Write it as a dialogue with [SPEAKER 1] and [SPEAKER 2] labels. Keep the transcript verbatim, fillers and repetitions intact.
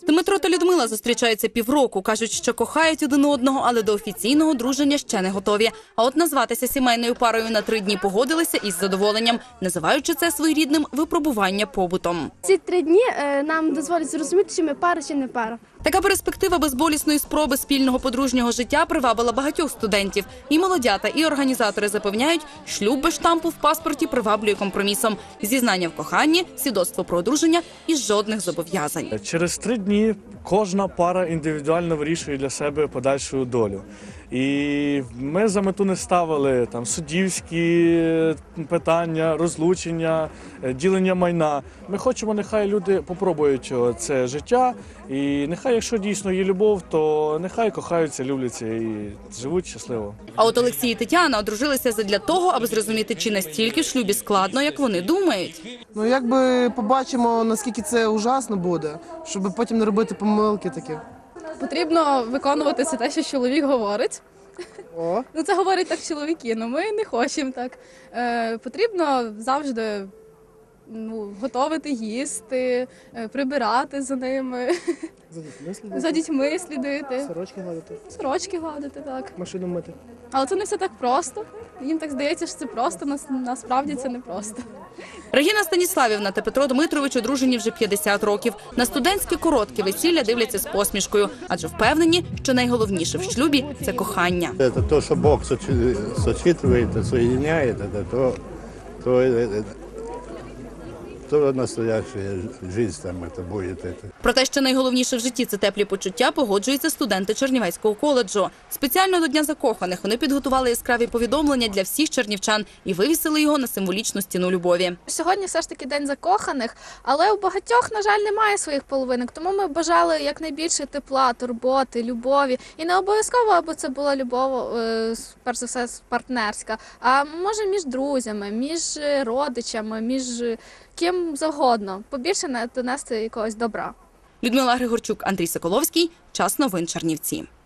[SPEAKER 1] Дмитро та Людмила зустрічаються півроку. Кажуть, що кохають один одного, але до офіційного одруження ще не готові. А от назватися сімейною парою на три дні погодилися із задоволенням, називаючи це своєрідним випробування побутом.
[SPEAKER 2] Ці три дні нам дозволять зрозуміти, чи ми пара, чи не пара.
[SPEAKER 1] Така перспектива безболісної спроби спільного подружнього життя привабила багатьох студентів. І молодята, і організатори запевняють, шлюб без штампу в паспорті приваблює компромісом. Зізнання в коханні, свідоцтво про одруження і жодних зобов'язань.
[SPEAKER 3] Через три дні кожна пара індивідуально вирішує для себе подальшу долю. І ми за мету не ставили там суддівські питання, розлучення, ділення майна. Ми хочемо, нехай люди попробують це життя, і нехай, якщо дійсно є любов, то нехай кохаються, любляться і живуть щасливо.
[SPEAKER 1] А от Олексій і Тетяна одружилися задля того, аби зрозуміти, чи настільки в шлюбі складно, як вони думають.
[SPEAKER 4] Ну, якби побачимо, наскільки це ужасно буде, щоб потім не робити помилки такі.
[SPEAKER 5] Потрібно виконувати все те, що чоловік говорить.
[SPEAKER 4] О.
[SPEAKER 5] Ну, це говорять так чоловіки, але ми не хочемо так. Е, потрібно завжди ну, готувати, їсти, е, прибирати за ними,
[SPEAKER 4] За дітьми слідити.
[SPEAKER 5] за дітьми слідити,
[SPEAKER 4] Сорочки гладити.
[SPEAKER 5] сорочки гладити, так.
[SPEAKER 4] Машину мити.
[SPEAKER 5] Але це не все так просто. Їм так здається, що це просто, нас, насправді це не просто.
[SPEAKER 1] Регіна Станіславівна та Петро Дмитрович одружені вже п'ятдесят років. На студентське коротке весілля дивляться з посмішкою, адже впевнені, що найголовніше в шлюбі – це кохання.
[SPEAKER 6] Це те, що Бог сочитує, соєдиняє, то, то, то настоящая життя там це буде.
[SPEAKER 1] Про те, що найголовніше в житті – це теплі почуття, погоджуються студенти Чернівецького коледжу. Спеціально до Дня закоханих вони підготували яскраві повідомлення для всіх чернівчан і вивісили його на символічну стіну любові.
[SPEAKER 7] Сьогодні все ж таки День закоханих, але у багатьох, на жаль, немає своїх половинок, тому ми бажали якнайбільше тепла, турботи, любові. І не обов'язково, аби це була любов, перш за все, партнерська, а може між друзями, між родичами, між ким завгодно. Побільше донести якогось добра.
[SPEAKER 1] Людмила Григорчук, Андрій Соколовський. Час новин Чернівці.